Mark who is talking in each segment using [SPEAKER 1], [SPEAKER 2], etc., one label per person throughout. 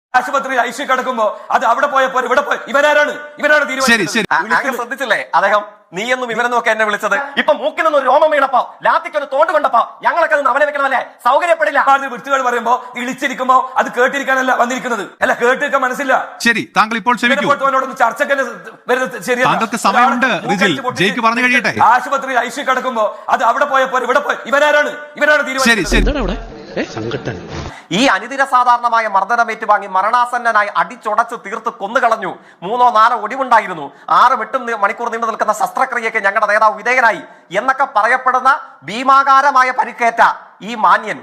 [SPEAKER 1] ആശുപത്രിയിൽ ഐസി കിടക്കുമ്പോ അത് അവിടെ പോയപ്പോ ഇവിടെ പോയി ഇവരാണ് തീരുമാനിച്ചത്.
[SPEAKER 2] ശ്രദ്ധിച്ചില്ലേ അദ്ദേഹം നീയെന്നും ഇവരെന്നും ഒക്കെ എന്നെ വിളിച്ചത്? ഇപ്പൊ മൂക്കിനൊന്നും ഒരു രോമം വീണപ്പോ ലാത്തിക്കൊരു തോണ്ട് കൊണ്ടപ്പോ ഞങ്ങളൊക്കെ അത് അവനെ വെക്കണമല്ലേ? സൗകര്യപ്പെടില്ല.
[SPEAKER 1] വൃത്തികൾ പറയുമ്പോ ഇളിച്ചിരിക്കുമ്പോ അത് കേട്ടിരിക്കാനല്ല വന്നിരിക്കുന്നത്, അല്ല കേട്ടിരിക്കാൻ മനസ്സില്ല.
[SPEAKER 3] ശരി, താങ്കൾ ഇപ്പോൾ
[SPEAKER 1] ചർച്ചയ്ക്ക്
[SPEAKER 3] കഴിയട്ടെ.
[SPEAKER 1] ആശുപത്രിയിൽ ഐസി കിടക്കുമ്പോ അത് അവിടെ പോയപ്പോ ഇവിടെ പോയി ഇവരാണ് തീരുമാനിച്ചത്.
[SPEAKER 2] ഈ അനിതര സാധാരണമായ മർദ്ദനം ഏറ്റുവാങ്ങി മരണാസന്നനായി അടിച്ചുടച്ച് തീർത്ത് കൊന്നുകളഞ്ഞു. 3-4 ഒടിവുണ്ടായിരുന്നു. 6-8 മണിക്കൂർ നീണ്ടു നിൽക്കുന്ന ശസ്ത്രക്രിയയ്ക്ക് ഞങ്ങളുടെ നേതാവ് വിധേയനായി എന്നൊക്കെ പറയപ്പെടുന്ന ഭീമാകാരമായ പരിക്കേറ്റ ഈ മാന്യൻ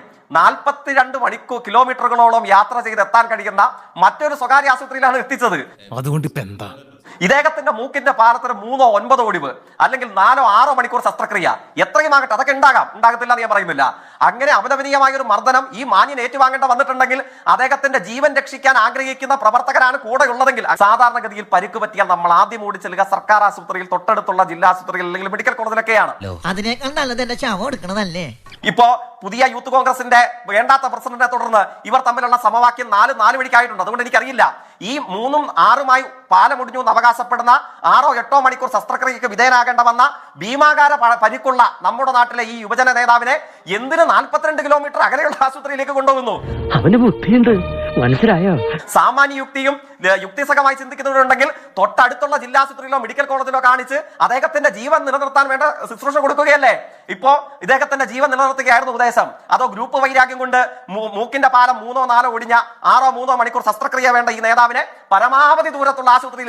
[SPEAKER 2] 42 കിലോമീറ്ററുകളോളം യാത്ര ചെയ്ത് എത്താൻ കഴിയുന്ന മറ്റൊരു സ്വകാര്യ ആശുപത്രിയിലാണ് എത്തിച്ചത്.
[SPEAKER 4] അതുകൊണ്ട് ഇപ്പൊ എന്താ?
[SPEAKER 2] ഇദ്ദേഹത്തിന്റെ മൂക്കിന്റെ പാലത്തിന് 3-9 ഒടിവ്, അല്ലെങ്കിൽ 4-6 മണിക്കൂർ ശസ്ത്രക്രിയ, എത്രയുമാകട്ടെ, അതൊക്കെ ഉണ്ടാകത്തില്ല എന്ന് ഞാൻ പറയുന്നില്ല. അങ്ങനെ അപലപനീയമായ ഒരു മർദ്ദനം ഈ മാന്യൻ ഏറ്റുവാങ്ങേണ്ട വന്നിട്ടുണ്ടെങ്കിൽ അദ്ദേഹത്തിന്റെ ജീവൻ രക്ഷിക്കാൻ ആഗ്രഹിക്കുന്ന പ്രവർത്തകരാണ് കൂടെ ഉള്ളതെങ്കിൽ സാധാരണഗതിയിൽ പരിക്ക് പറ്റിയാൽ നമ്മൾ ആദ്യം ഓടി ചെല്ലുക സർക്കാർ ആശുപത്രിയിൽ, തൊട്ടടുത്തുള്ള ജില്ലാ ആശുപത്രിയിൽ അല്ലെങ്കിൽ മെഡിക്കൽ കോളേജിലൊക്കെയാണ്.
[SPEAKER 5] അതിനേക്കാൾ നല്ലത് എന്റെ ശവം എടുക്കണതല്ലേ?
[SPEAKER 2] ഇപ്പോ പുതിയ യൂത്ത് കോൺഗ്രസിന്റെ വേണ്ടാത്ത പ്രസിഡന്റിനെ തുടർന്ന് ഇവർ തമ്മിലുള്ള സമവാക്യം 4 വഴിക്കായിട്ടുണ്ട്. അതുകൊണ്ട് എനിക്കറിയില്ല ഈ 3-6 പാലമുടിഞ്ഞു എന്ന് അവകാശപ്പെടുന്ന 6-8 മണിക്കൂർ ശസ്ത്രക്രിയക്ക് വിധേയനാകേണ്ട വന്ന ഭീമാകാര പരിക്കുള്ള നമ്മുടെ നാട്ടിലെ ഈ യുവജന നേതാവിനെ എന്തിന് 42 കിലോമീറ്റർ അകലെയുള്ള ആശുപത്രിയിലേക്ക് കൊണ്ടുപോകുന്നു?
[SPEAKER 6] അവന് ബുദ്ധിയുണ്ട്, മനസ്സിലായോ?
[SPEAKER 2] സാമാന്യ യുക്തിയും യുക്തിസഹമായി ചിന്തിക്കുന്നവരുണ്ടെങ്കിൽ തൊട്ടടുത്തുള്ള ജില്ലാ ആശുപത്രിയിലോ മെഡിക്കൽ കോളേജിലോ കാണിച്ച് അദ്ദേഹത്തിന്റെ ജീവൻ നിലനിർത്താൻ വേണ്ട ശുശ്രൂഷ കൊടുക്കുകയല്ലേ? ഇപ്പോ ഇദ്ദേഹത്തിന്റെ ജീവൻ നിലനിർത്തുകയായിരുന്നു ഉദ്ദേശം? അതോ ഗ്രൂപ്പ് വൈരാഗ്യം കൊണ്ട് മൂക്കിന്റെ പാലം 3-4 ഒടിഞ്ഞ 6-3 മണിക്കൂർ ശസ്ത്രക്രിയ വേണ്ട ഈ നേതാവിനെ പരമാവധി ദൂരത്തുള്ള ആശുപത്രിയിൽ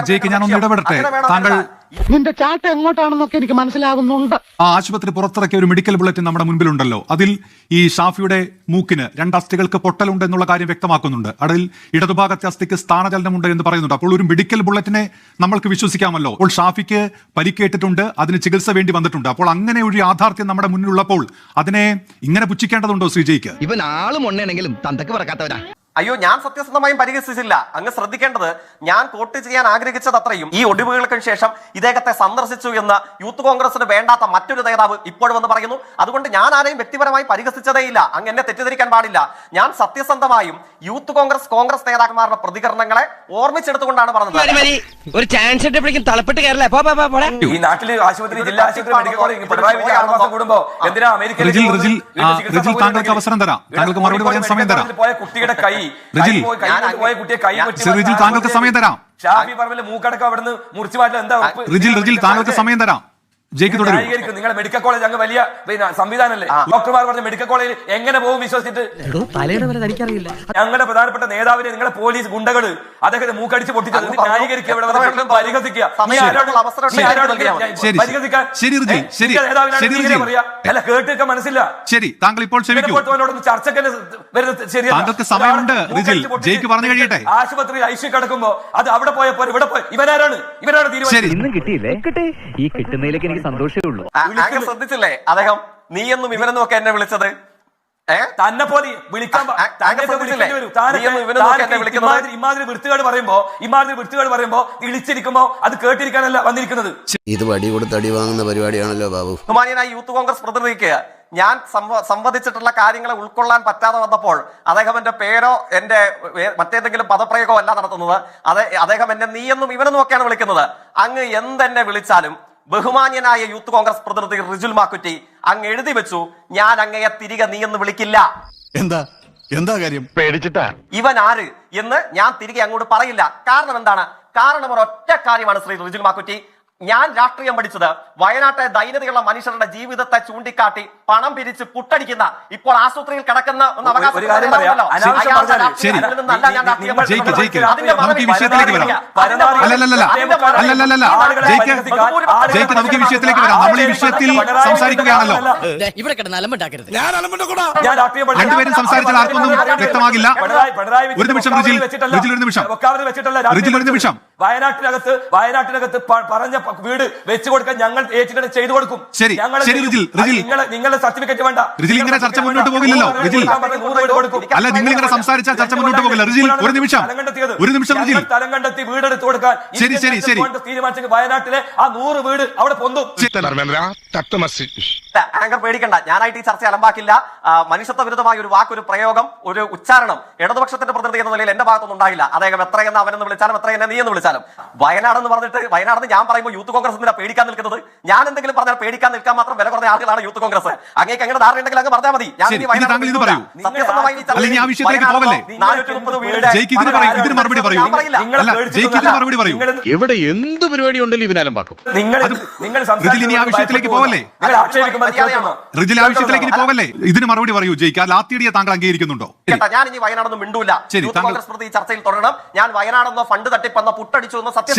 [SPEAKER 2] എത്തിക്കുകയാണ്?
[SPEAKER 6] നിന്റെ ചാട്ട എങ്ങോട്ടാണെന്നൊക്കെ എനിക്ക് മനസ്സിലാകുന്നുണ്ട്.
[SPEAKER 3] ആ ആശുപത്രി പുറത്തിറക്കിയ ഒരു മെഡിക്കൽ ബുള്ളറ്റിൻ നമ്മുടെ മുൻപിലുണ്ടല്ലോ. അതിൽ ഈ ഷാഫിയുടെ മൂക്കിന് 2 അസ്ഥികൾക്ക് പൊട്ടലുണ്ട് എന്നുള്ള കാര്യം വ്യക്തമാക്കുന്നുണ്ട്. അതിൽ ഇടതുഭാഗത്തെ അസ്ഥിക്ക് സ്ഥാനചലനമുണ്ട് എന്ന് പറയുന്നുണ്ട്. അപ്പോൾ ഒരു മെഡിക്കൽ ബുള്ളറ്റിനെ നമ്മൾക്ക് വിശ്വസിക്കാമല്ലോ. അപ്പോൾ ഷാഫിക്ക് പരിക്കേറ്റിട്ടുണ്ട്, അതിന് ചികിത്സ വേണ്ടി വന്നിട്ടുണ്ട്. അപ്പോൾ അങ്ങനെ ഒരു യാഥാർത്ഥ്യം നമ്മുടെ മുന്നിലുള്ളപ്പോൾ അതിനെ ഇങ്ങനെ പുച്ഛിക്കേണ്ടതുണ്ടോ ശ്രീജയ്ക്ക്?
[SPEAKER 4] ഇവൻ ആളും ഒന്നെങ്കിലും തന്തക്ക് പറക്കാത്തവരാ.
[SPEAKER 2] അയ്യോ, ഞാൻ സത്യസന്ധമായും പരിഹസിച്ചില്ല. അങ്ങ് ശ്രദ്ധിക്കേണ്ടത്, ഞാൻ കോട്ട് ചെയ്യാൻ ആഗ്രഹിച്ചത് അത്രയും ഈ ഒടിവുകൾക്ക് ശേഷം ഇദ്ദേഹത്തെ സന്ദർശിച്ചു എന്ന് യൂത്ത് കോൺഗ്രസിന് വേണ്ടാത്ത മറ്റൊരു നേതാവ് ഇപ്പോഴും വന്ന് പറയുന്നു. അതുകൊണ്ട് ഞാൻ ആരെയും വ്യക്തിപരമായി പരിഹസിച്ചതേയില്ല. അങ്ങ് എന്നെ തെറ്റിദ്ധരിക്കാൻ പാടില്ല. ഞാൻ സത്യസന്ധമായും യൂത്ത് കോൺഗ്രസ് നേതാക്കന്മാരുടെ പ്രതികരണങ്ങളെ ഓർമ്മിച്ചെടുത്തുകൊണ്ടാണ് പറഞ്ഞത്.
[SPEAKER 6] ഒരു ചാൻസ് തളപ്പെട്ട് കയറല്ലേ?
[SPEAKER 1] ഈ നാട്ടില് ആശുപത്രി, ജില്ലാ ആശുപത്രി, മെഡിക്കൽ കോളേജ് പിണറായി വിജയൻ 6 മാസം കൂടുമ്പോ എന്തിനാ അമേരിക്കയിൽ
[SPEAKER 3] താങ്കൾക്ക് അവസരം തരാം, താങ്കൾക്ക് മറുപടി പറയാൻ സമയം തരാം.
[SPEAKER 1] പോയ കുട്ടിയുടെ കൈ
[SPEAKER 3] താങ്കൾക്ക് സമയം തരാം.
[SPEAKER 1] ഷാഫി പറമ്പിൽ മൂക്കടക്കം അവിടുന്ന് മുറിച്ചു മാറ്റാൻ എന്താ?
[SPEAKER 3] താങ്കൾക്ക് സമയം തരാം.
[SPEAKER 1] നിങ്ങളുടെ മെഡിക്കൽ കോളേജ് അങ്ങ് വലിയ സംവിധാനമല്ലേ? ഡോക്ടർമാർ പറഞ്ഞ മെഡിക്കൽ കോളേജിൽ എങ്ങനെ പോകും വിശ്വസിച്ചിട്ട്? ഞങ്ങളുടെ പ്രധാനപ്പെട്ട നേതാവിനെ നിങ്ങളെ പോലീസ് ഗുണ്ടകള് അദ്ദേഹത്തെ മൂക്കടിച്ച് പൊട്ടിച്ചത് ന്യായീകരിക്കുക, പരിഹസിക്കുക. അല്ല കേട്ടിരിക്കാൻ മനസ്സില്ല.
[SPEAKER 3] ശരി, താങ്കൾ ഇപ്പോൾ
[SPEAKER 1] ചർച്ചയ്ക്ക്
[SPEAKER 3] സമയമുണ്ട്. പറഞ്ഞു കഴിയട്ടെ.
[SPEAKER 1] ആശുപത്രിയിൽ ഐസി കിടക്കുമ്പോ അത് അവിടെ പോയപ്പോ ഇവിടെ പോയി ഇവരാണ്
[SPEAKER 6] ഇന്നും കിട്ടിയില്ലേ? ഈ കിട്ടുന്നതിലേക്ക് എനിക്ക് സന്തോഷമേ ഉള്ളൂ.
[SPEAKER 2] ശ്രദ്ധിച്ചില്ലേ അദ്ദേഹം നീയെന്നും ഇവരെന്നും ഒക്കെ എന്നെ വിളിച്ചത്?
[SPEAKER 1] തന്നെ പോലെ വിളിക്കാൻ ഇമാതിരി വൃത്തികേട് പറയുമ്പോ ഇളിച്ചിരിക്കുമ്പോ അത് കേട്ടിരിക്കാനല്ല വന്നിരിക്കുന്നത്.
[SPEAKER 7] ഇത് വടി കൊടുത്ത് അടി വാങ്ങുന്ന പരിപാടിയാണല്ലോ ബാബു.
[SPEAKER 2] ബഹുമാന്യനായ യൂത്ത് കോൺഗ്രസ് പ്രതിനിധിക്ക് ഞാൻ സംവദിച്ചിട്ടുള്ള കാര്യങ്ങളെ ഉൾക്കൊള്ളാൻ പറ്റാതെ വന്നപ്പോൾ അദ്ദേഹം എന്റെ പേരോ എന്റെ മറ്റേതെങ്കിലും പദപ്രയോഗമോ അല്ല നടത്തുന്നത്. അദ്ദേഹം എന്നെ നീയെന്നും ഇവരെന്നും ഒക്കെയാണ് വിളിക്കുന്നത്. അങ്ങ് എന്തെന്നെ വിളിച്ചാലും ബഹുമാന്യനായ യൂത്ത് കോൺഗ്രസ് പ്രതിനിധി റിജുൽ മാക്കുറ്റി അങ്ങ് എഴുതി വെച്ചു, ഞാൻ അങ്ങയെ തിരികെ നീ എന്ന് വിളിക്കില്ല.
[SPEAKER 7] എന്താ കാര്യം?
[SPEAKER 4] പേടിച്ചിട്ടാ.
[SPEAKER 2] ഇവൻ ആര് എന്ന് ഞാൻ തിരികെ അങ്ങോട്ട് പറയില്ല. കാരണം എന്താണ്? കാരണം ഒരൊറ്റ കാര്യമാണ് ശ്രീ റിജുൽ മാക്കുറ്റി. ഞാൻ രാഷ്ട്രീയം പഠിച്ചത് വയനാട്ടെ ദൈനംദിനുള്ള മനുഷ്യരുടെ ജീവിതത്തെ ചൂണ്ടിക്കാട്ടി പണം പിരിച്ച് പുട്ടടിക്കുന്ന, ഇപ്പോൾ ആശുപത്രിയിൽ കിടക്കുന്ന ഒന്ന്
[SPEAKER 5] ഇവിടെ കിടന്ന് അലമ്പുണ്ടാക്കരുത്.
[SPEAKER 3] രണ്ടുപേരും സംസാരിച്ചാൽ ആർക്കൊന്നും വ്യക്തമാകില്ല. ഒരു നിമിഷം.
[SPEAKER 1] വയനാട്ടിനകത്ത് പറഞ്ഞ വീട് വെച്ചു കൊടുക്കാൻ ഞങ്ങൾ ഏറ്റെടുത്ത് ചെയ്തു കൊടുക്കും.
[SPEAKER 3] ശരി, ശരി റിജിൽ,
[SPEAKER 1] നിങ്ങളുടെ സർട്ടിഫിക്കറ്റ് വേണ്ട.
[SPEAKER 3] റിജിൽ, ഇങ്ങനെ ചർച്ച മുന്നോട്ട് പോകില്ലല്ലോ റിജിൽ. അല്ല, നിങ്ങൾ ഇങ്ങനെ സംസാരിച്ചാൽ ചർച്ച മുന്നോട്ട് പോകില്ല. റിജിൽ, ഒരു നിമിഷം റിജിൽ.
[SPEAKER 1] സ്ഥലം കണ്ടെത്തി വീടെടുത്ത് കൊടുക്കാൻ
[SPEAKER 3] ശരി
[SPEAKER 1] തീരുമാനിച്ചെങ്കിൽ വയനാട്ടിലെ ആ 100 വീട് അവിടെ പൊന്തും.
[SPEAKER 2] ആങ്കർ പേടിക്കണ്ട, ഞാനായിട്ട് ഈ ചർച്ച അലമ്പാക്കില്ല. മനുഷ്യത്വ വിരുദ്ധമായ ഒരു വാക്ക്, ഒരു പ്രയോഗം, ഒരു ഉച്ചാരണം ഇടതുപക്ഷത്തിന്റെ പ്രതിനിധി എന്ന നിലയിൽ എന്റെ ഭാഗത്തൊന്നും ഉണ്ടായില്ല. അദ്ദേഹം എത്രയെന്ന് അവനെന്ന് വിളിച്ചാലും എത്രയെന്ന് നീ എന്ന് വിളിച്ചാലും വയനാടെന്ന് പറഞ്ഞിട്ട് വയനാടെന്ന് ഞാൻ പറയുമ്പോൾ യൂത്ത് കോൺഗ്രസ് എന്തിനാ പേടിക്കാൻ നിൽക്കുന്നത്? ഞാൻ എന്തെങ്കിലും പറഞ്ഞാൽ പേടിക്കാൻ നിൽക്കാൻ മാത്രം വില കുറഞ്ഞ ആളുകളാണ് യൂത്ത് കോൺഗ്രസ്. അങ്ങേക്ക് അങ്ങനെ ധാരണ ഉണ്ടെങ്കിൽ അങ്ങ് പറഞ്ഞാൽ മതി. ഞാൻ സത്യസന്ധമായി
[SPEAKER 7] എവിടെ എന്ത് പരിപാടി ഉണ്ടല്ലോ ഇവനാലും പാക്കും.
[SPEAKER 3] ഇതിന് മറുപടി പറയൂ ജയിക്ക്. ആ ലാത്തിയടിയെ താങ്കൾ അംഗീകരിക്കുന്നുണ്ടോ?
[SPEAKER 2] ഞാൻ ഇനി വയനാടൊന്നും മിണ്ടൂല. യൂത്ത് കോൺഗ്രസ് പ്രതി ചർച്ചയിൽ തുടരണം. ഞാൻ വയനാടെന്നോ ഫണ്ട് തട്ടിപ്പെന്നോ പുട്ടടിച്ചു എന്നോ സത്യം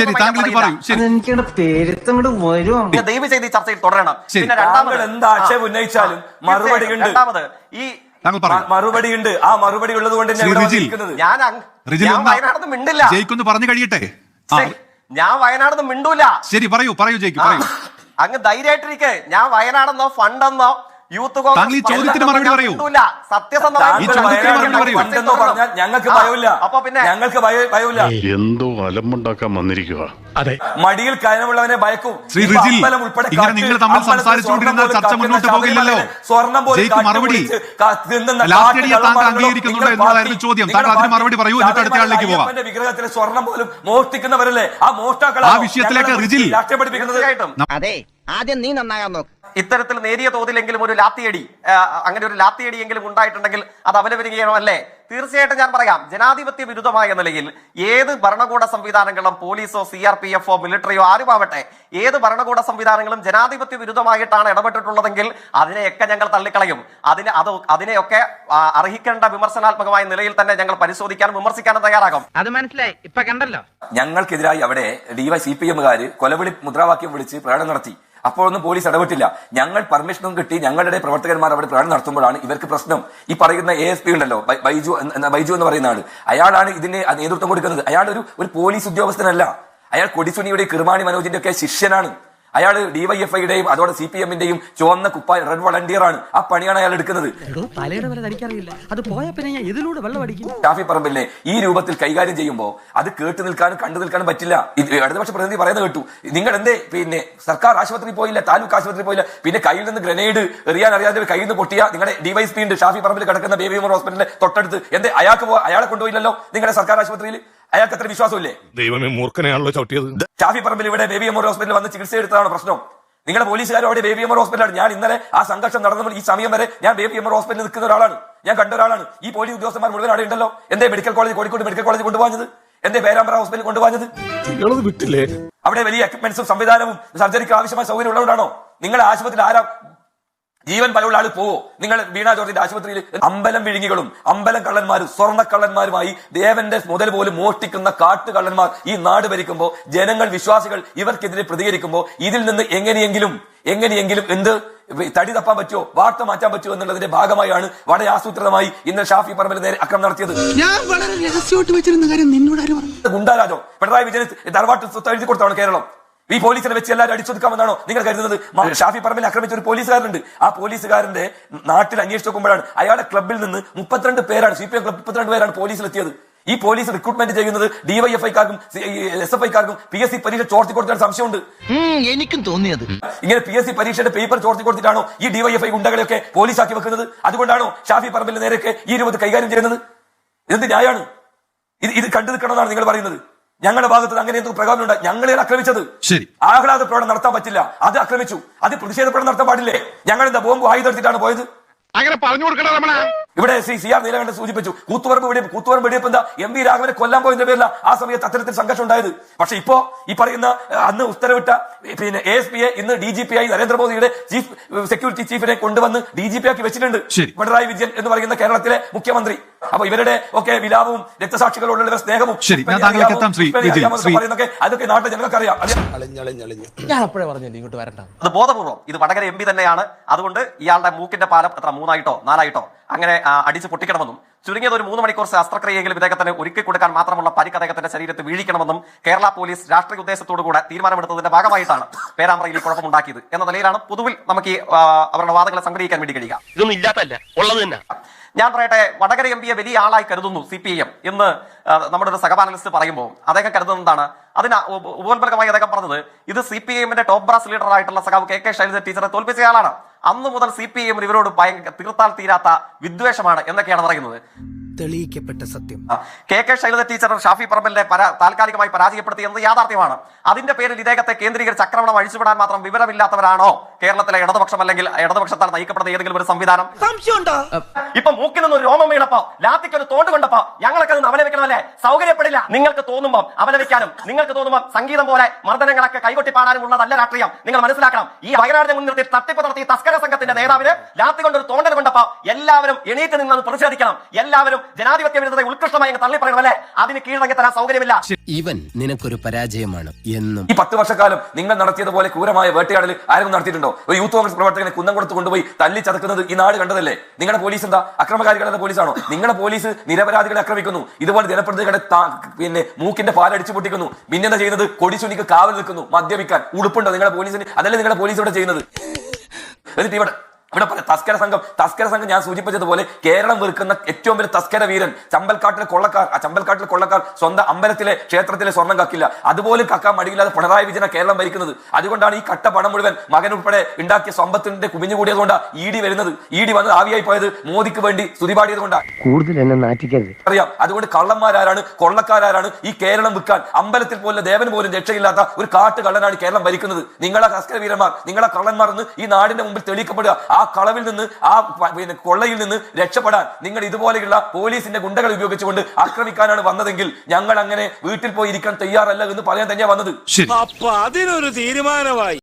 [SPEAKER 2] ദയവ് ചെയ്ത് ഈ ചർച്ചയിൽ തുടരണം. പിന്നെ രണ്ടാമത്
[SPEAKER 1] എന്താ ആക്ഷേപം ഉന്നയിച്ചാലും മറുപടി ഉണ്ട്.
[SPEAKER 2] രണ്ടാമത് ഈ
[SPEAKER 1] മറുപടി ഉണ്ട്. ആ മറുപടി ഉള്ളത് കൊണ്ട്
[SPEAKER 2] ഞാൻ വയനാടൊന്നും മിണ്ടില്ല.
[SPEAKER 3] ജയിക്കൊന്ന് പറഞ്ഞു കഴിയട്ടെ.
[SPEAKER 2] ഞാൻ വയനാടൊന്നും മിണ്ടൂല.
[SPEAKER 3] ശരി, പറയൂ ജയിക്ക്, പറയൂ.
[SPEAKER 2] അങ്ങ് ധൈര്യമായിട്ടിരിക്കെ. ഞാൻ വയനാടെന്നോ ഫണ്ടെന്നോ യൂത്ത് കോൺഗ്രസ്
[SPEAKER 3] ചോദ്യത്തിന് മറുപടി പറയൂ.
[SPEAKER 1] ഞങ്ങൾക്ക് ഭയമില്ല.
[SPEAKER 2] അപ്പൊ പിന്നെ
[SPEAKER 1] ഞങ്ങൾക്ക് ഭയമില്ല.
[SPEAKER 7] എന്തോ അലമ്പുണ്ടാക്കാൻ വന്നിരിക്കുക.
[SPEAKER 6] അതെ,
[SPEAKER 1] മടിയിൽ കയനമുള്ളവനെ ഭയക്കും.
[SPEAKER 3] ശ്രീ റിജിൽ, ഇങ്ങനെ നിങ്ങൾ തമ്മിൽ സംസാരിച്ചുകൊണ്ടിരുന്നാൽ ചർച്ച മുന്നോട്ട് പോകില്ലല്ലോ. ജയിക്ക് മറുപടി. ലാത്തിയടിയെ താങ്കൾ അംഗീകരിക്കുന്നുണ്ടോ എന്നതായിരുന്നു ചോദ്യം. താങ്കൾ അതിന് മറുപടി പറയൂ, എന്നിട്ട് അടുത്ത ആളിലേക്ക് പോകാം.
[SPEAKER 1] വിഗ്രഹത്തിലെ സ്വർണം പോലും മോഷ്ടിക്കുന്നവരല്ലേ ആ മോഷ്ടാക്കൾ.
[SPEAKER 3] ആ വിഷയത്തിലേക്ക് റിജിൽ
[SPEAKER 1] പഠിപ്പിക്കുന്നത്.
[SPEAKER 5] അതെ, ആദ്യം നീ നന്നാകാൻ നോക്ക്.
[SPEAKER 2] ഇത്തരത്തിൽ നേരിയ തോതിലെങ്കിലും ഒരു ലാത്തിയടി, അങ്ങനെ ഒരു ലാത്തിയടിയെങ്കിലും ഉണ്ടായിട്ടുണ്ടെങ്കിൽ അത് അപലപരികയമല്ലേ? തീർച്ചയായിട്ടും ഞാൻ പറയാം, ജനാധിപത്യ വിരുദ്ധമായ നിലയിൽ ഏത് ഭരണകൂട സംവിധാനങ്ങളും, പോലീസോ CRPF മിലിറ്ററിയോ ആരുമാവട്ടെ, ഏത് ഭരണകൂട സംവിധാനങ്ങളും ജനാധിപത്യ വിരുദ്ധമായിട്ടാണ് ഇടപെട്ടിട്ടുള്ളതെങ്കിൽ അതിനെയൊക്കെ ഞങ്ങൾ തള്ളിക്കളയും. അതിനെയൊക്കെ അർഹിക്കേണ്ട വിമർശനാത്മകമായ നിലയിൽ തന്നെ ഞങ്ങൾ പരിശോധിക്കാനും വിമർശിക്കാനും തയ്യാറാകും.
[SPEAKER 5] അത് മനസ്സിലായി, ഇപ്പൊ കണ്ടല്ലോ.
[SPEAKER 1] ഞങ്ങൾക്കെതിരായി അവിടെ CPM-കാര് കൊലവിളി മുദ്രാവാക്യം വിളിച്ച് പ്രകടനം നടത്തി. അപ്പോഴൊന്നും പോലീസ് ഇടപെട്ടില്ല. ഞങ്ങൾ പെർമിഷനും കിട്ടി ഞങ്ങളുടെ പ്രവർത്തകന്മാർ അവിടെ പ്രകടനം നടത്തുമ്പോഴാണ് ഇവർക്ക് പ്രശ്നം. ഈ പറയുന്ന ASP ഉണ്ടല്ലോ, ബൈജു എന്ന് പറയുന്ന ആള്, അയാളാണ് ഇതിന് നേതൃത്വം കൊടുക്കുന്നത്. അയാൾ ഒരു പോലീസ് ഉദ്യോഗസ്ഥനല്ല. അയാൾ കൊടിസുനിയുടെയും കിർമാണി മനോജിന്റെ ഒക്കെ ശിഷ്യനാണ്. അയാൾ DYFI-യുടെയും അതോടെ CPM-ന്റെയും ചുവന്ന കുപ്പായ റെഡ് വളണ്ടിയർ ആണ്. ആ പണിയാണ് അയാൾ എടുക്കുന്നത്. ഷാഫി പറമ്പിലിനെ ഈ രൂപത്തിൽ കൈകാര്യം ചെയ്യുമ്പോൾ അത് കേട്ടു നിൽക്കാനും കണ്ടു നിൽക്കാനും പറ്റില്ല. ഇടതുപക്ഷ പ്രതിനിധി പറയുന്നത് കേട്ടു, നിങ്ങൾ എന്തേ സർക്കാർ ആശുപത്രിയിൽ പോയില്ല, താലൂക്ക് ആശുപത്രിയിൽ പോയില്ല, പിന്നെ കയ്യിൽ നിന്ന് ഗ്രനേഡ് എറിയാൻ അറിയാതെ കയ്യിൽ നിന്ന് പൊട്ടിയ നിങ്ങളുടെ DYSP ഉണ്ട് ഷാഫി പറമ്പിൽ കിടക്കുന്ന ബേബി ഉമർ ഹോസ്പിറ്റലിന്റെ തൊട്ടടുത്ത്. എന്തേ അയാളെ കൊണ്ടുപോയില്ലല്ലോ നിങ്ങളുടെ സർക്കാർ ആശുപത്രിയിൽ? അയാൾക്ക് അത്ര വിശ്വാസമില്ലേ?
[SPEAKER 7] ദൈവമേ, മൂർഖനെയാണല്ലോ ചവിട്ടിയത്.
[SPEAKER 1] ഷാഫി പറമ്പിൽ ഇവിടെ ബേബി ഉമർ ഹോസ്പിറ്റലിൽ വന്ന് ചികിത്സ എടുത്തതാണ് പ്രശ്നം. നിങ്ങളുടെ പോലീസുകാരും അവിടെ ബേബി ഉമർ ഹോസ്പിറ്റലാണ്. ഞാൻ ഇന്നലെ ആ സംഘർഷം നടന്നപ്പോൾ ഈ സമയം വരെ ഞാൻ ബേബി ഉമർ ഹോസ്പിറ്റലിൽ നിൽക്കുന്ന ഒരാളാണ്. ഞാൻ കണ്ട ഒരാളാണ്. ഈ പോലീസ് ഉദ്യോഗസ്ഥന്മാർ മുഴുവൻ അവിടെ ഉണ്ടല്ലോ. എന്തേ medical college, Kozhikode medical college കൊണ്ടുപോകുന്നത്? എന്തേ പേരാമ്പ്ര ഹോസ്പിറ്റലിൽ കൊണ്ടുപോകുന്നത്? അവിടെ വലിയ എക്യുപ്മെന്റ്സും സംവിധാനവും സർജറിക്ക് ആവശ്യമായ സൗകര്യം ഉള്ളതുകൊണ്ടാണോ? നിങ്ങളുടെ ആശുപത്രിയിൽ ആരാ ജീവൻ പലവുള്ള ആള് പോവോ? നിങ്ങൾ വീണ ജോർജിന്റെ ആശുപത്രിയിൽ അമ്പലം വിഴുങ്ങികളും അമ്പലം കള്ളന്മാരും സ്വർണ്ണക്കള്ളന്മാരുമായി ദേവന്റെ മുതൽ പോലും മോഷ്ടിക്കുന്ന കാട്ടുകള്ളന്മാർ ഈ നാട് ഭരിക്കുമ്പോൾ ജനങ്ങൾ, വിശ്വാസികൾ ഇവർക്കെതിരെ പ്രതികരിക്കുമ്പോൾ ഇതിൽ നിന്ന് എങ്ങനെയെങ്കിലും എന്ത് തടി തപ്പാൻ പറ്റുമോ, വാർത്ത മാറ്റാൻ പറ്റുമോ എന്നുള്ളതിന്റെ ഭാഗമായാണ് വളരെ ആസൂത്രിതമായി ഇന്ന് ഷാഫി പറമ്പിൽ നേരെ അക്രമം നടത്തിയത്.
[SPEAKER 7] ഞാൻ വളരെ രഹസ്യമായിട്ട് വെച്ചിരുന്ന കാര്യം നിന്നോട് ആര് പറഞ്ഞു?
[SPEAKER 1] ഗുണ്ടാരാജോ പിണറായി വിജയൻ തറവാട്ട് സ്വത്ത് എഴുതി കൊടുത്താണ് കേരളം. ഈ പോലീസിനെ വെച്ച് എല്ലാവരും അടിച്ചൊതുക്കാമെന്നാണോ നിങ്ങൾ കരുതുന്നത്? ഷാഫി പറമ്പിൽ ആക്രമിച്ച ഒരു പോലീസുകാരുണ്ട്. ആ പോലീസുകാരന്റെ നാട്ടിൽ അന്വേഷിച്ച് നോക്കുമ്പോഴാണ് അയാളുടെ ക്ലബിൽ നിന്ന് 32 പേരാണ്, CPM ക്ലബ് 32 പേരാണ് പോലീസിലെത്തിയത്. ഈ പോലീസ് റിക്രൂട്ട്മെന്റ് ചെയ്യുന്നത് DYFI-ക്കാർക്കും SFI-ക്കാർക്കും PSC പരീക്ഷ ചോർത്തി കൊടുക്കാൻ സംശയമുണ്ട്.
[SPEAKER 5] എനിക്കും തോന്നിയത് ഇങ്ങനെ
[SPEAKER 1] PSC പരീക്ഷയുടെ പേപ്പർ ചോർത്തി കൊടുത്തിട്ടാണോ ഈ DYFI ഗുണ്ടകളെയൊക്കെ പോലീസാക്കി വെക്കുന്നത്? അതുകൊണ്ടാണോ ഷാഫി പറമ്പിൽ നേരെയൊക്കെ ഈ രൂപത്തിൽ കൈകാര്യം ചെയ്യുന്നത്? ഇതെന്ത് ന്യായമാണ്? ഇത് കണ്ടു നിൽക്കണമെന്നാണ് നിങ്ങൾ പറയുന്നത്? ഞങ്ങളുടെ ഭാഗത്ത് അങ്ങനെ എന്തൊക്കെ പ്രകോപനമുണ്ട്? ഞങ്ങളെ ആക്രമിച്ചത് ആഹ്ലാദ പ്രകടനം നടത്താൻ പറ്റില്ല, അത് ആക്രമിച്ചു. അത് പ്രതിഷേധ പ്രകടനം നടത്താൻ പാടില്ലേ? ഞങ്ങൾ എന്താ ബോംബ് ആയുധം എടുത്തിട്ടാണ് പോയത്?
[SPEAKER 7] അങ്ങനെ പറഞ്ഞു കൊടുക്കണം.
[SPEAKER 1] ഇവിടെ CR നീലകണ്ഠൻ സൂചിപ്പിച്ചു, കൂത്തുപറമ്പ് വെടിവെപ്പ് എന്താ MV രാഘവനെ കൊല്ലാൻ പോയതിന്റെ പേരില്ല ആ സമയത്ത് അത്തരത്തിൽ സംഘർഷം ഉണ്ടായത്. പക്ഷെ ഇപ്പോ ഈ പറയുന്ന അന്ന് ഉത്തരവിട്ട ASP-യെ ഇന്ന് DGP-ആയി നരേന്ദ്രമോദിയുടെ ചീഫ് സെക്യൂരിറ്റി ചീഫിനെ കൊണ്ടുവന്ന് DGP-ആക്കി വെച്ചിട്ടുണ്ട് പിണറായി വിജയൻ എന്ന് പറയുന്ന കേരളത്തിലെ മുഖ്യമന്ത്രി. അപ്പൊ ഇവരുടെ ഒക്കെ വിലാപവും രക്തസാക്ഷികളോടുള്ള സ്നേഹവും അതൊക്കെ നാട്ടിൽ ജനങ്ങൾക്ക് അറിയാം.
[SPEAKER 5] ഞാൻ അപ്പോഴേ പറഞ്ഞില്ല ഇങ്ങോട്ട് വരണ്ട.
[SPEAKER 2] അത് ബോധപൂർവ്വം ഇത് വടകര MP തന്നെയാണ്. അതുകൊണ്ട് ഇയാളുടെ മൂക്കിന്റെ പാലം എത്ര 3 ആയിട്ടോ 4 ആയിട്ടോ അങ്ങനെ അടിച്ച് പൊട്ടിക്കണമെന്നും ചുരുങ്ങിയത് ഒരു 3 മണിക്കൂർ ശസ്ത്രക്രിയയെങ്കിലും ഇദ്ദേഹത്തിന് ഒരുക്കി കൊടുക്കാൻ മാത്രമുള്ള പരിക്ക് അദ്ദേഹത്തിന്റെ ശരീരത്തിൽ വീഴിക്കണമെന്നും കേരള പോലീസ് രാഷ്ട്രീയ ഉദ്ദേശത്തോടുകൂടെ തീരുമാനമെടുത്തതിന്റെ ഭാഗമായിട്ടാണ് പേരാമ്പ്രയിൽ ഈ കുഴപ്പമുണ്ടാക്കിയത് എന്ന നിലയിലാണ് പൊതുവിൽ നമുക്ക് ഈ അവരുടെ വാദങ്ങളെ സംഗ്രഹിക്കാൻ വേണ്ടി കഴിയുക.
[SPEAKER 8] ഇതൊന്നും ഇല്ലാത്തല്ല, ഉള്ളത് തന്നെ.
[SPEAKER 2] ഞാൻ പറയട്ടെ, വടകര എം പിയെ വലിയ ആളായി കരുതുന്നു CPIM എന്ന് നമ്മുടെ ഒരു സഹപാനലിസ്റ്റ് പറയുമ്പോൾ അദ്ദേഹം കരുതുന്നത് എന്താണ്? അതിന് ഉപോത്ബലകമായി അദ്ദേഹം പറഞ്ഞത് ഇത് CPIMന്റെ ടോപ്പ് ബ്രാസ് ലീഡറായിട്ടുള്ള സഖാവ് KK ശൈലജ ടീച്ചറെ തോൽപ്പിച്ചയാളാണ്. അന്നു മുതൽ CPIM ഇവരോട് തീർത്താൽ തീരാത്ത വിദ്വേഷമാണ് എന്നൊക്കെയാണ് പറയുന്നത്.
[SPEAKER 5] തെളിയിക്കപ്പെട്ട സത്യം.
[SPEAKER 2] KK ശൈലജ ടീച്ചർ ഷാഫി പറമ്പലിനെ താൽക്കാലികമായി പരാജയപ്പെടുത്തി എന്നത് യാഥാർത്ഥ്യമാണ്. അതിന്റെ പേരിൽ ഇദ്ദേഹത്തെ കേന്ദ്രീകരിച്ച് ആക്രമണം അഴിച്ചുവിടാൻ മാത്രം വിവരമില്ലാത്തവരാണോ കേരളത്തിലെ ഇടതുപക്ഷം അല്ലെങ്കിൽ ഇടതുപക്ഷത്താൽ നയിക്കപ്പെടുന്ന ഏതെങ്കിലും ഒരു സംവിധാനം? ഇപ്പൊ മൂക്കിൽ നിന്ന് ഒരു രോമം വീണപ്പോ ലാത്തിക്ക് ഒരു തോണ്ട് കൊണ്ടപ്പോ ഞങ്ങളൊക്കെ അത് അപലപിക്കണമല്ലേ? സൗകര്യപ്പെടില്ല. നിങ്ങൾക്ക് തോന്നുമ്പോൾ അപലപിക്കാനും നിങ്ങൾക്ക് തോന്നുമ്പോൾ സംഗീതം പോലെ മർദ്ദനങ്ങളൊക്കെ കൈകൊട്ടി പാടാനും ഉള്ളതല്ല രാഷ്ട്രീയം. നിങ്ങൾ മനസ്സിലാക്കണം. ഈ വയനാടിനെ മുൻനിർത്തി തട്ടിപ്പ് നടത്തി തസ്കര സംഘത്തിന്റെ നേതാവിന് ലാത്തി കൊണ്ടൊരു തോണ്ടൽ കൊണ്ടപ്പോ എല്ലാവരും എണീറ്റ് നിന്ന് പ്രതിഷേധിക്കണം. എല്ലാവരും ജനാധിപത്യ വിരുദ്ധത ഉത്കൃഷ്ടമായി തള്ളി പറയണമല്ലേ? അതിന് കീഴടങ്ങി തരാൻ സൗകര്യമില്ല.
[SPEAKER 5] ഇവൻ നിനക്കൊരു പരാജയമാണ് എന്നും.
[SPEAKER 1] ഈ 10 വർഷക്കാലം നിങ്ങൾ നടത്തിയതുപോലെ ക്രൂരമായ വേട്ടയാടൽ ആരും നടത്തിയിട്ടുണ്ടോ? ഒരു യൂത്ത് കോൺഗ്രസ് പ്രവർത്തകനെ കുന്നംകുളത്ത് കൊണ്ടുപോയി തല്ലി ചതക്കുന്നത് ഈ നാട് കണ്ടതല്ലേ? നിങ്ങളുടെ പോലീസ് എന്താ അക്രമകാരികളുടെ പോലീസാണോ? നിങ്ങളുടെ പോലീസ് നിരപരാധികളെ ആക്രമിക്കുന്നു, ഇതുപോലെ ജനപ്രതിനിധികളെ പിന്നെ മൂക്കിന്റെ പാലടിച്ചു പൊട്ടിക്കുന്നു, പിന്നെന്താ ചെയ്യുന്നത്? കൊടിച്ചുനിക്ക് കാവൽ നിൽക്കുന്നു, മദ്യപിക്കാൻ. ഉടുപ്പുണ്ടോ നിങ്ങളുടെ പോലീസിന്? അതല്ലേ നിങ്ങളുടെ പോലീസ് ഇവിടെ ചെയ്യുന്നത്? എന്നിട്ട് ഇവിടെ തസ്കര സംഘം ഞാൻ സൂചിപ്പിച്ചതുപോലെ കേരളം വെറുക്കുന്ന ഏറ്റവും വലിയ തസ്കര വീരൻ ചമ്പൽക്കാട്ടിലെ കൊള്ളക്കാർ. ആ ചമ്പൽക്കാട്ടിലെ കൊള്ളക്കാർ സ്വന്തം അമ്പലത്തിലെ ക്ഷേത്രത്തിലെ സ്വർണ്ണം കക്കില്ല. അതുപോലെ കക്കാൻ മടിയില്ലാതെ പിണറായി വിജയൻ കേരളം ഭരിക്കുന്നത്. അതുകൊണ്ടാണ് ഈ കട്ട പണം മുഴുവൻ മകൻ ഉൾപ്പെടെ ഉണ്ടാക്കിയ സമ്പത്തിന്റെ കുമിഞ്ഞുകൂടിയതുകൊണ്ടാണ് ED വരുന്നത്. ED വന്ന് ആവിയായി പോയത് മോദിക്ക് വേണ്ടി സ്തുതിപാടിയത് കൊണ്ടാണ്.
[SPEAKER 6] കൂടുതൽ എന്നെ നാറ്റിക്കരുത്.
[SPEAKER 1] അറിയാം. അതുകൊണ്ട് കള്ളന്മാരാരാണ്, കൊള്ളക്കാരാണ്? ഈ കേരളം വിൽക്കാൻ അമ്പലത്തിൽ പോലും ദേവൻ പോലും രക്ഷയില്ലാത്ത ഒരു കാട്ടുകള്ളനാണ് കേരളം ഭരിക്കുന്നത്. നിങ്ങളെ തസ്കര വീരന്മാർ, നിങ്ങളെ കള്ളന്മാർ എന്ന് ഈ നാടിന്റെ മുമ്പിൽ തെളിയിക്കപ്പെടുക. ആ കളവിൽ നിന്ന്, ആ കൊള്ളയിൽ നിന്ന് രക്ഷപ്പെടാൻ നിങ്ങൾ ഇതുപോലെയുള്ള പോലീസിന്റെ ഗുണ്ടകൾ ഉപയോഗിച്ചുകൊണ്ട് ആക്രമിക്കാനാണ് വന്നതെങ്കിൽ ഞങ്ങൾ അങ്ങനെ വീട്ടിൽ പോയി ഇരിക്കാൻ തയ്യാറല്ല എന്ന് പറയാൻ തന്നെയാണ് വന്നത്.
[SPEAKER 9] അപ്പൊ അതിനൊരു തീരുമാനമായി.